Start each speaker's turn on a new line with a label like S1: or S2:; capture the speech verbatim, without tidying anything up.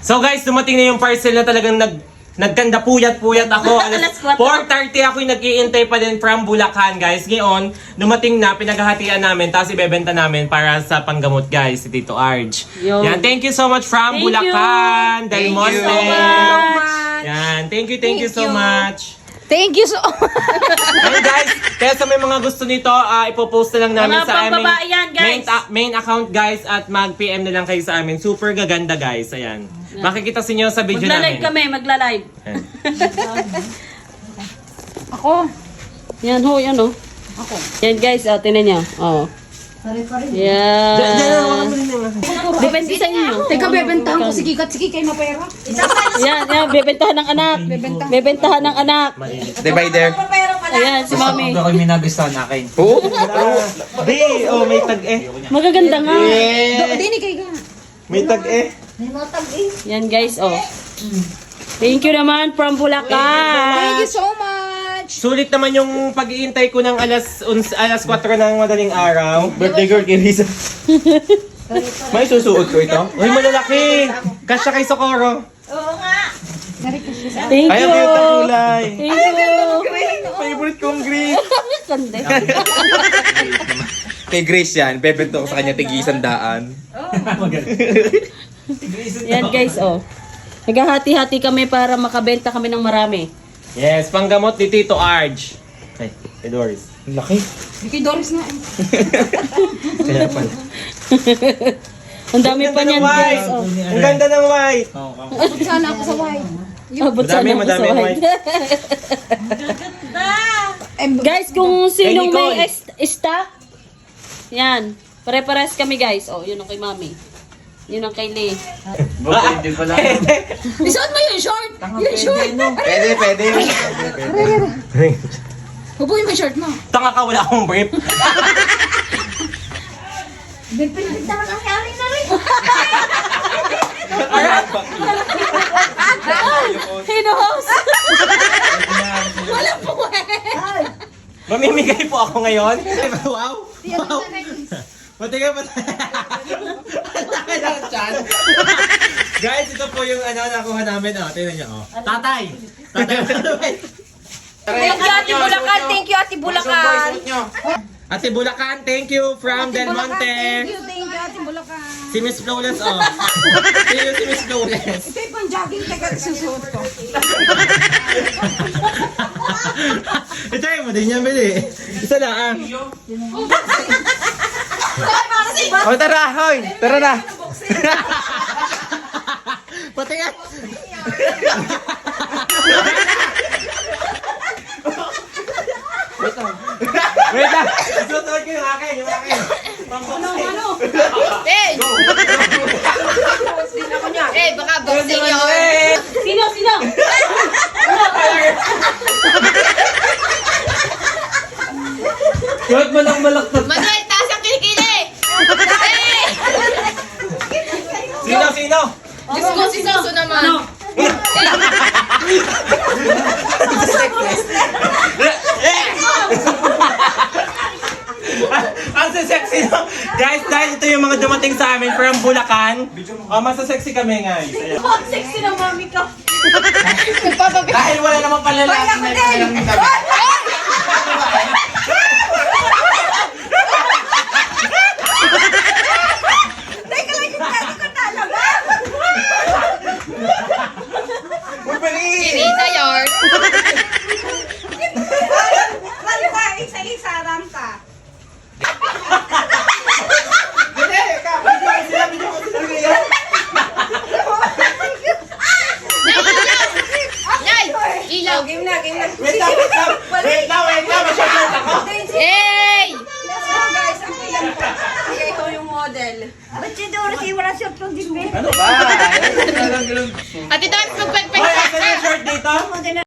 S1: So guys, dumating na yung parcel na talagang nag nagkanda puyat-puyat ako. Alas four thirty ako'y nag-iintay pa din from Bulacan, guys. Ngayon, dumating na, pinaghahatian namin, tapos ibebenta namin para sa panggamot, guys, si Tito Arj.
S2: Yo.
S1: Yan, thank you so much from
S2: Thank
S1: Bulacan, Del
S3: Thank
S1: Monte.
S3: you so much.
S1: Yan, thank you, thank, you so
S3: you.
S1: much.
S2: Thank you so much.
S1: Ayun guys, kaya sa may mga gusto nito, uh, ipopost na lang namin
S2: Mga
S1: sa aming
S2: pambabae yan, guys.
S1: main, ta- main account guys at mag-P M na lang kayo sa amin. Super gaganda guys, ayan. Makikita sa inyo sa video
S2: Magla-live
S1: namin.
S2: kami, magla-live.
S1: Ayan.
S2: Ako. Yan ho, yan ho. Ako. Yan guys, oh, tinan niyo. Oh.
S1: Diyan,
S2: Yan.
S1: diyan, hawakan mo rin yung akin.
S2: Depende sa inyo.
S3: Teka, bebentahan ko si Kikat. Sige, kayo mapera.
S2: Yan, yan, bebentahan ng anak. Bebentahan ng anak.
S4: Divider.
S2: Ayan, si Mami.
S5: Ako yung minagustuhan akin.
S4: Oo.
S1: Di, oh, may tag-eh.
S2: Magaganda nga.
S3: Dini kayo ka.
S1: May tag-eh.
S2: Yan guys, oh. Thank you naman from Bulacan.
S3: Thank you so much.
S1: Sulit naman yung pag-iintay ko ng alas uns, alas kwatro ng madaling araw. Birthday girl kay Lisa. May susuot ko ito. Uy, malalaki. Kasya kay Socorro.
S2: Thank
S1: Ay,
S2: you.
S1: ang cute ng kulay.
S2: Thank you.
S1: Favorite kong green.
S2: Kande.
S4: Kay Grace yan, bebento ko sa kanya tigisan daan.
S2: Yan guys, oh. Naghahati-hati kami para makabenta kami ng marami.
S1: Yes, panggamot ni Tito Arj. Ay, kay Doris.
S4: Laki.
S3: Kay Doris na.
S1: Kaya pala.
S2: Ang dami pa niyan guys, oh.
S1: Ang ganda ng white.
S3: Abot sana ako sa white.
S2: Abot
S1: Madami,
S2: sana ako
S1: madami
S2: sa
S1: ang
S2: white.
S3: Eh,
S2: Guys, kung sinong
S1: Kay Nicole.
S2: may est- stock, yan. Pare-pares kami guys. Oh, yun ang kay Mami. Yun ang kay Lee.
S5: Bakit hindi pala?
S3: isuot mo yung short. Yung short.
S4: Pwede, pwede.
S3: Hubuin mo yung short mo.
S1: Tanga ka, wala akong brief.
S3: Pinagdaman ang nangyari na rin.
S2: Hinos!
S3: Wala po eh.
S1: Mamimigay po ako ngayon. Wow! Wow! Pati ka pa. Guys, ito po yung ano nakuha namin. Oh, tingnan niyo. Oh. Tatay! Tatay!
S3: Thank you, Ate Bulacan. Thank you, Ate Bulacan.
S1: Ate Bulacan, thank you from Del Monte.
S3: Thank you, thank you, Ate Bulacan.
S1: Si Miss Flawless, oh. Thank you si Miss Flawless.
S3: Ito yung pang-jogging. Teka, susuot ko.
S1: Ito yung mo din niya bili. Isa lang.
S4: Oh, tara, hoy. Tara na.
S1: Pati nga. Wait lang. Isusunod ko yung akin, yung akin. Ano, ano?
S3: Hey! Eh, baka boxing yun.
S2: Sino? Sino?
S1: Kahit malak malaktot.
S3: Manuel, taas ang kilikili! Eh!
S1: Sino, sino?
S3: Diyos ko, si Suso naman.
S2: Ano?
S1: Ang sexy no? Guys, dahil ito yung mga dumating sa amin from Bulacan. Oh, masasexy kami guys. Ayan.
S2: Oh, sexy ng mami ko.
S1: Dahil wala namang palalaki na kailang
S3: Inisa yard. Nay! Ilaw! Game na, game na.
S1: Wait lang, wait lang. Wait lang, wait lang. Masyadong ako.
S3: Hey!
S1: Ano ba?
S3: Ate Doris, magpagpag
S1: Hoy, asan yung short dito?